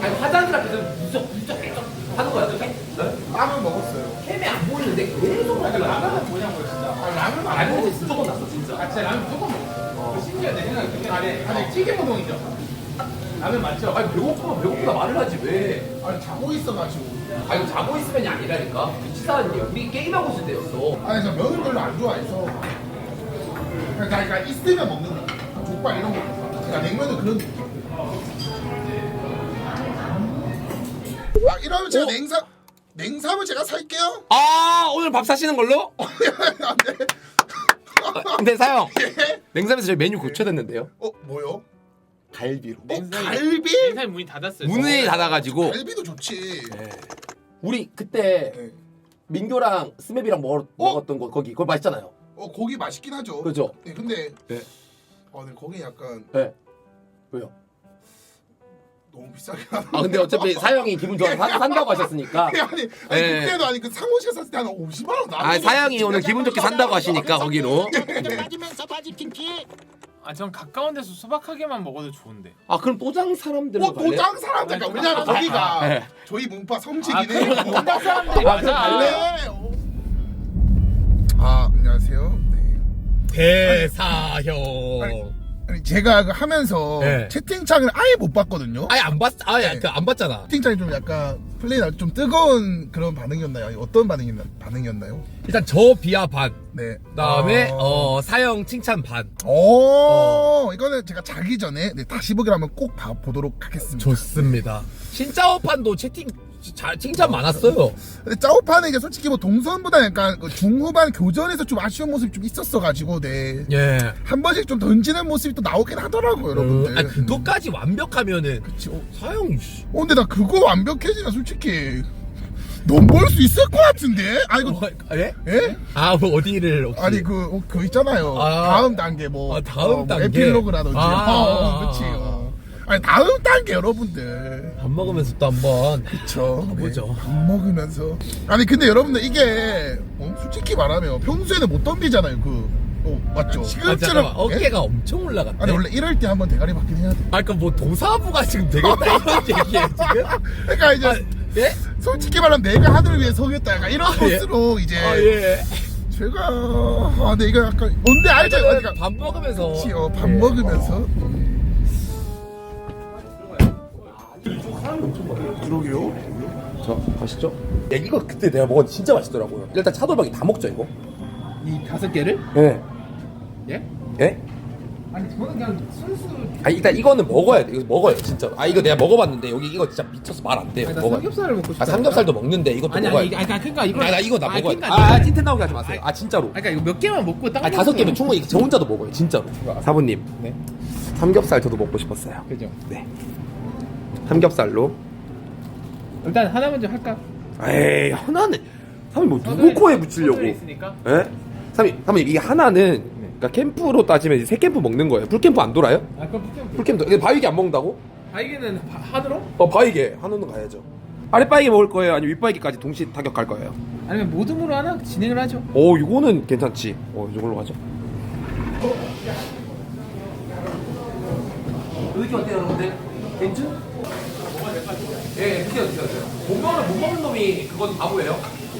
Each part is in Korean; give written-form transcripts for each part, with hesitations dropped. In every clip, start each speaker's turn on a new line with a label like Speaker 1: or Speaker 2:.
Speaker 1: 아니 화장실 앞에서 무적 계속 하는 거야 저게?
Speaker 2: 라면 먹었어요.
Speaker 1: 캠이 안 보이는데 계속
Speaker 3: 아니, 라면은 뭐냐고요, 진짜.
Speaker 2: 라면 안
Speaker 1: 알고
Speaker 2: 먹었어.
Speaker 1: 무조건 났어 진짜.
Speaker 3: 아, 진짜 라면 무조건 먹었어. 심지어 내 생각에 그게 아니, 찌개 우동이죠. 라면 맞죠?
Speaker 1: 아니 배고프면 배고프다 말을 하지 왜?
Speaker 2: 아니 자고 있어가지고.
Speaker 1: 아니 자고 있으면이 아니라니까. 치사한 일. 우리 게임하고 있을 때였어.
Speaker 2: 아니 저 면을 별로 안 좋아해서. 그러니까 있으면 먹는다. 족발 이런 거. 그러니까 냉면은 그런 느낌. 아 이러면 제가 냉삼을 제가 살게요.
Speaker 4: 아 오늘 밥 사시는 걸로?
Speaker 2: 네.
Speaker 4: 근데 사형
Speaker 2: 예?
Speaker 4: 냉삼에서 저희 메뉴 고쳐졌는데요.
Speaker 2: 뭐요?
Speaker 4: 갈비로.
Speaker 2: 갈비?
Speaker 3: 인사이 문이 닫았어요.
Speaker 4: 문이 닫아가지고
Speaker 2: 갈비도 좋지.
Speaker 4: 우리 그때
Speaker 2: 네.
Speaker 4: 민교랑 스맵이랑 먹었던 거 거기 그거 맛있잖아요.
Speaker 2: 고기 맛있긴 하죠.
Speaker 4: 그죠?
Speaker 2: 네, 근데
Speaker 4: 네.
Speaker 2: 근데 거기 약간
Speaker 4: 네. 왜요?
Speaker 2: 너무 비싸긴 하다.
Speaker 4: 아 근데 어차피 사형이 기분 좋아서 산다고 하셨으니까.
Speaker 2: 아니
Speaker 4: 네.
Speaker 2: 그때도 아니 그 상호실 샀을 때 한 50만 원 나왔어.
Speaker 4: 아 사형이 오늘 기분 좋게 산다고 하시니까 거기로.
Speaker 3: 아, 전 가까운 데서 소박하게만 먹어도 좋은데.
Speaker 4: 아 그럼 또장 사람들로 갈래요?
Speaker 2: 도장 사람 잠깐 왜냐면 거기가
Speaker 4: 네.
Speaker 2: 저희 문파
Speaker 3: 아,
Speaker 2: 성지기네.
Speaker 3: 동작 사람들이 맞아.
Speaker 2: 아 안녕하세요. 네.
Speaker 4: 대사형.
Speaker 2: 아니 제가 하면서
Speaker 4: 네.
Speaker 2: 채팅창을 아예 못 봤거든요.
Speaker 4: 아예 안 봤. 아예
Speaker 2: 네.
Speaker 4: 안 봤잖아.
Speaker 2: 채팅창이 좀 약간 플레이가 좀 뜨거운 그런 반응이었나요? 아니, 어떤 반응이었나요?
Speaker 4: 일단 저 비하 반.
Speaker 2: 네.
Speaker 4: 그다음에 사형 칭찬 반.
Speaker 2: 이거는 제가 자기 전에 다시 보기로 하면 꼭 보도록 하겠습니다.
Speaker 4: 좋습니다. 신짜오판도 채팅 칭찬 많았어요.
Speaker 2: 근데 짜오파는 이제 솔직히 뭐 동선보다 약간 그 중후반 교전에서 좀 아쉬운 모습이 좀 있었어가지고
Speaker 4: 예.
Speaker 2: 한 번씩 좀 던지는 모습이 또 나오긴 하더라고요, 여러분들.
Speaker 4: 아 그것까지 완벽하면은
Speaker 2: 그치.
Speaker 4: 사형.
Speaker 2: 근데 나 그거 완벽해지면 솔직히 넘볼 수 있을 것 같은데? 아니 이거
Speaker 4: 예?
Speaker 2: 예?
Speaker 4: 아 뭐 어디를 혹시?
Speaker 2: 아니 그거 있잖아요.
Speaker 4: 아.
Speaker 2: 다음 단계 뭐
Speaker 4: 다음 단계.
Speaker 2: 에필로그라든지. 그치.
Speaker 4: 아.
Speaker 2: 아니 다음 단계 여러분들.
Speaker 4: 밥 먹으면서 또 한번
Speaker 2: 그쵸.
Speaker 4: 가보죠.
Speaker 2: 밥 먹으면서. 아니 근데 여러분들 이게 솔직히 말하면 평소에는 못 덤비잖아요. 맞죠?
Speaker 4: 아,
Speaker 2: 지금처럼
Speaker 4: 잠깐만,
Speaker 2: 예?
Speaker 4: 어깨가 엄청 올라갔네.
Speaker 2: 아니 원래 이럴 때 한번 대가리 받긴 해야 돼.
Speaker 4: 아 그러니까 뭐 도사부가 지금 되겠다 이런 얘기예요 지금?
Speaker 2: 그러니까 이제
Speaker 4: 아, 예?
Speaker 2: 솔직히 말하면 내가 하늘을 위해 서겠다 약간 이런
Speaker 4: 예.
Speaker 2: 코스로 이제
Speaker 4: 아 예.
Speaker 2: 제가 근데 이거 약간 뭔데 알죠? 그러니까
Speaker 4: 밥 먹으면서.
Speaker 2: 그치, 밥
Speaker 4: 예.
Speaker 2: 먹으면서 그러게요.
Speaker 4: 자 맛있죠? 야 이거 그때 내가 먹었는데 진짜 맛있더라고요. 일단 차돌박이 다 먹죠 이거?
Speaker 3: 이 5개를?
Speaker 4: 예.
Speaker 3: 예?
Speaker 4: 예?
Speaker 3: 아니, 저는 그냥 순수.
Speaker 4: 아 일단 이거는 먹어야 돼. 이거 먹어요 진짜로. 아 이거 내가 먹어봤는데 여기 이거 진짜 미쳐서 말 안 돼요.
Speaker 3: 아니, 나
Speaker 4: 먹어요.
Speaker 3: 삼겹살을 먹고 싶다.
Speaker 4: 아 삼겹살도 먹는데 이것도
Speaker 3: 아니,
Speaker 4: 먹어야
Speaker 3: 아니,
Speaker 4: 돼.
Speaker 3: 그러니까 이거.
Speaker 4: 나 이거 나 먹어요.
Speaker 3: 그러니까
Speaker 4: 찐텐 나오게 하지 마세요. 아 진짜로.
Speaker 3: 그러니까 이거 몇 개만 먹고 딱.
Speaker 4: 아 5개면 충분히 저 혼자도 먹어요 진짜로. 사부님
Speaker 3: 네.
Speaker 4: 삼겹살 저도 먹고 싶었어요.
Speaker 3: 그죠.
Speaker 4: 네. 삼겹살로.
Speaker 3: 일단 하나 먼저 할까?
Speaker 4: 에이 하나는 사부님 뭐 누구 코에 붙이려고?
Speaker 3: 소들이 있으니까.
Speaker 4: 예? 사부님 이게 하나는 그러니까 캠프로 따지면 이제 3캠프 먹는 거예요. 풀캠프 안 돌아요?
Speaker 3: 아, 그럼 풀캠프.
Speaker 4: 풀캠프. 근데 바위게 안 먹는다고?
Speaker 3: 바이게는 한으로?
Speaker 4: 바위게 한우는 가야죠. 아랫바위게 먹을 거예요? 아니면 윗바위게까지 동시 타격할 거예요?
Speaker 3: 아니면 모듬으로 하나 진행을 하죠.
Speaker 4: 오 이거는 괜찮지. 이걸로 가죠. 느낌 어때요 여러분들? 괜찮? 예, 드세요. 못 먹는 놈이 그건 바보예요.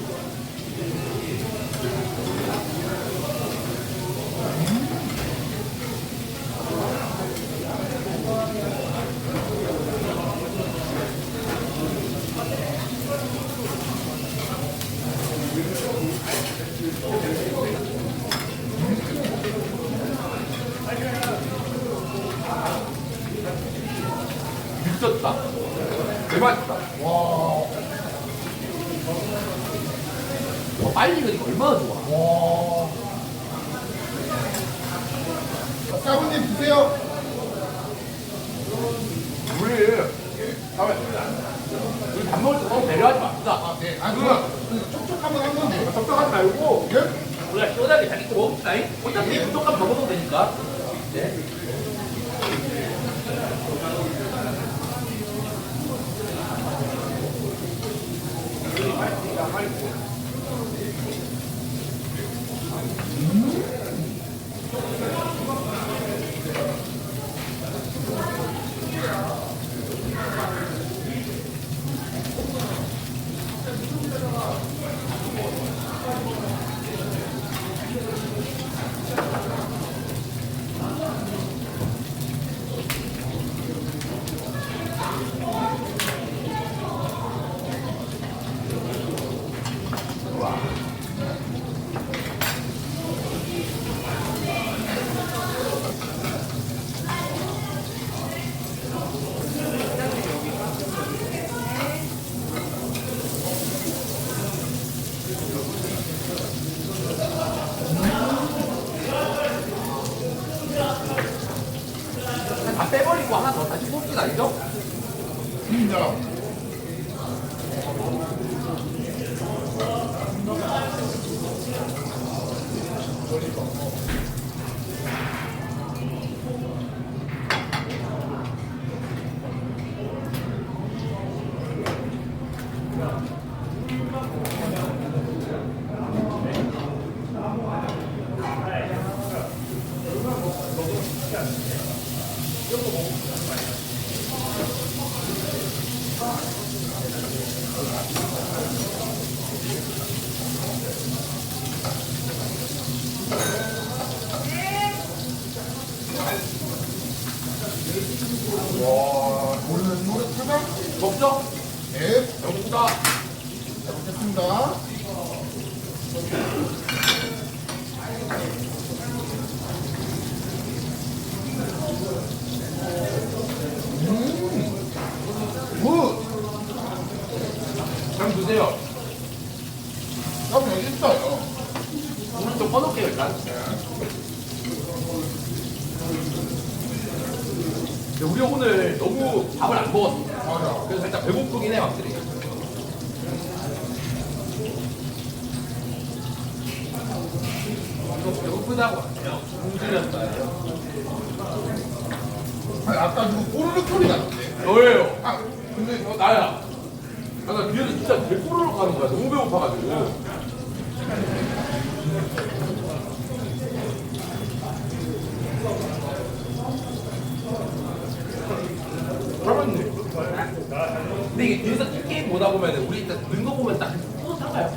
Speaker 4: 미쳤다. 대박이다. 와. 빨리 익으니까 얼마나 좋아.
Speaker 2: 와. 사부님 드세요.
Speaker 4: 우리 밥 먹을 때 너무 배려하지 맙시다.
Speaker 2: 네. 그거 촉촉 한번 한 건데.
Speaker 4: 적당하지 말고
Speaker 2: 예?
Speaker 4: 우리가 시원하게 자기 거 먹읍시다. 어차피 부족하면 더 먹어도 되니까. 네. 다 빼버리고 하나 더 다시 뽑기 아니죠?
Speaker 2: 진짜. 와, 모르는 노래 찾아?
Speaker 4: 먹죠?
Speaker 2: 네,
Speaker 4: 여기다.
Speaker 2: 잘 먹겠습니다. 굿!
Speaker 4: 그럼 드세요.
Speaker 2: 나도 여기 있어요.
Speaker 4: 물을 좀 꺼놓을게요, 일단. 근데 우리 오늘 너무 밥을 안 먹었어.
Speaker 2: 맞아.
Speaker 4: 그래서 살짝 배고프긴 해, 확실히. 배고프다고 하네요. 공주였어요.
Speaker 2: 아니, 아까 누구 꼬르륵 소리 나는데.
Speaker 4: 너예요.
Speaker 2: 아, 근데
Speaker 4: 나야. 아, 나 뒤에서 진짜 개꼬르륵 가는 거야. 너무 배고파가지고. 그러면 근데 이게 뒤에서 게임 보다 보면 우리 일단 는거 보면 딱 뿌듯한가요?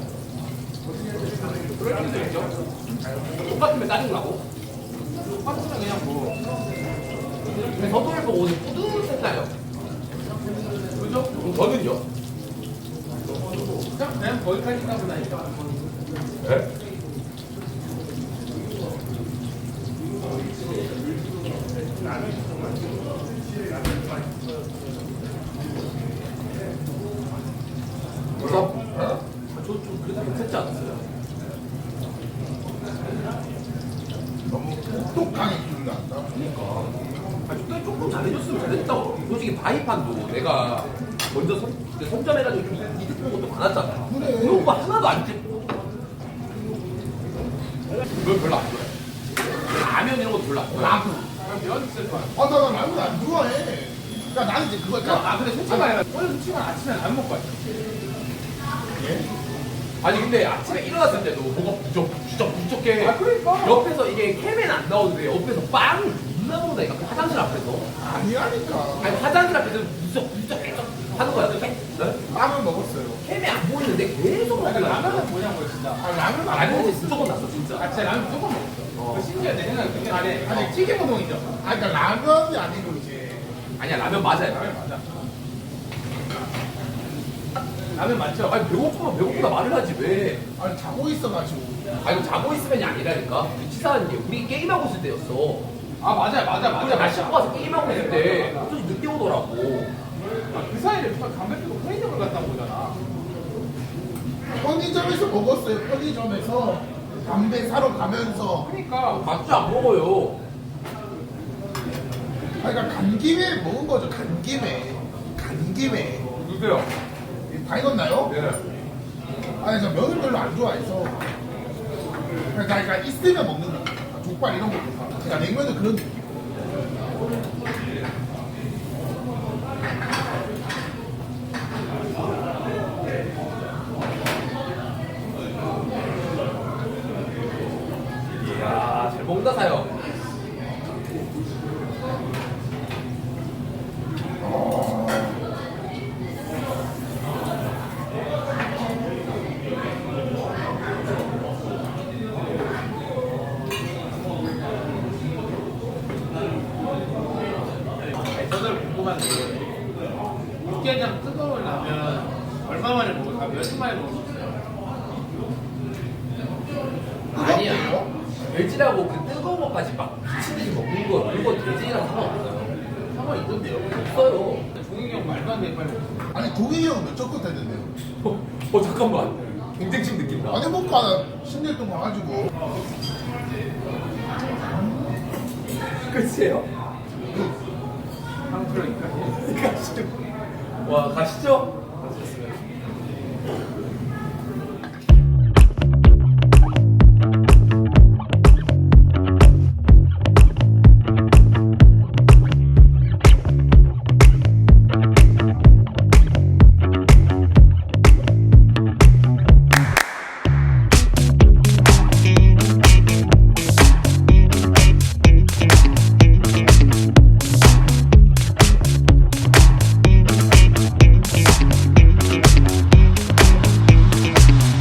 Speaker 4: 그럴 수도 있죠. 똑같으면 짜증나고. 똑같으면 그냥 뭐. 근데 서도를 보고 오늘 뿌듯했나요? 그죠? 그럼 저는요?
Speaker 3: 그냥 거기까지 가고 나니까.
Speaker 4: 네? 그래서 저좀 그래도 괜찮지 않았어요?
Speaker 2: 너무 똑똑하게 기분 난다.
Speaker 4: 그러니까 그때 조금 잘해줬으면 잘했다고. 솔직히 바이판도 내가 먼저 선점해가지고 좀 이득 본 것도 많았잖아.
Speaker 2: 그래.
Speaker 4: 그런 거 하나도 안 찍고 그걸 별로 안 좋아해. 라면 이런 것도 별로 안 좋아해.
Speaker 2: 라면.
Speaker 3: 면 있을 거야.
Speaker 2: 아, 나 라면 안 좋아해. 그러니까 나는 이제 그거 있잖아.
Speaker 3: 아, 근데 솔직히 말해. 오늘 솔직히 말해. 아침에 라면 먹고 왔어.
Speaker 2: 예?
Speaker 4: 아니 근데 아침에 일어났을 때도 뭐가 부쩍해.
Speaker 3: 아, 그러니까.
Speaker 4: 옆에서 이게 캠엔 안 나오는데 옆에서 빵을 존나 먹는다니까. 그 화장실 앞에서.
Speaker 2: 아니라니까.
Speaker 4: 아니 화장실 앞에서 부쩍 하는 거야. 네?
Speaker 2: 라면 먹었어요.
Speaker 4: 캠이 안 보이는데 계속
Speaker 3: 그러니까
Speaker 4: 먹더라고.
Speaker 3: 라면은 뭐냐고 진짜.
Speaker 2: 아, 라면 안
Speaker 4: 라면이
Speaker 2: 먹었어.
Speaker 4: 무조건 났어 진짜.
Speaker 3: 아, 진짜 라면 무조건 먹었어. 심지어 내 생각에 그게 아니 튀김 우동이죠.
Speaker 2: 아, 그러니까 라면이 아니고 이제.
Speaker 4: 아니야 라면 맞아요.
Speaker 3: 라면 맞아. 라면 맞죠?
Speaker 4: 아니 배고프면 배고프다 말을 하지 왜?
Speaker 2: 아니, 자고 있어가지고.
Speaker 4: 아니 자고 있으면이 아니라니까. 치사한 게 우리 게임하고 있을 때였어.
Speaker 3: 아, 맞아.
Speaker 4: 우리가 날 씻고 와서 게임하고 있을 때 갑자기 늦게 오더라고.
Speaker 3: 아, 그 사이에 누가 담배 피고 편의점을 갔다 오잖아.
Speaker 2: 편의점에서 먹었어요. 편의점에서 담배 사러 가면서.
Speaker 3: 그러니까
Speaker 4: 맛주 안 먹어요.
Speaker 2: 아, 그러니까 간 김에 먹은 거죠. 간 김에. 간 김에.
Speaker 4: 누구세요?
Speaker 2: 다 익었나요?
Speaker 4: 네.
Speaker 2: 아니, 저 면을 별로 안 좋아해서. 그러니까 있으면 먹는 거. 족발 이런 거. 그러니까 냉면은 그런 느낌.
Speaker 4: 이야 잘 먹는다 사요.
Speaker 3: 육개장 뜨거운 라면 얼마 만에 먹을까? 며칠 만에 먹었어요?
Speaker 1: 아니야. 돼지라고 그 뜨거운 것까지 막 미친 듯이 먹는 거 그거 돼지랑 상관없어요.
Speaker 3: 상관 있던데요?
Speaker 1: 없어요.
Speaker 3: 종익이 형 말도 안 돼, 빨리 먹어.
Speaker 2: 아니 동희 형은 몇첫 끝 했는데요.
Speaker 1: 잠깐만. 경쟁심 느낀다.
Speaker 2: 아니 뭐 하나 10년 동안 가지고
Speaker 1: 끝이에요?
Speaker 3: 한 그러니까.
Speaker 1: 가시죠. 와 가시죠.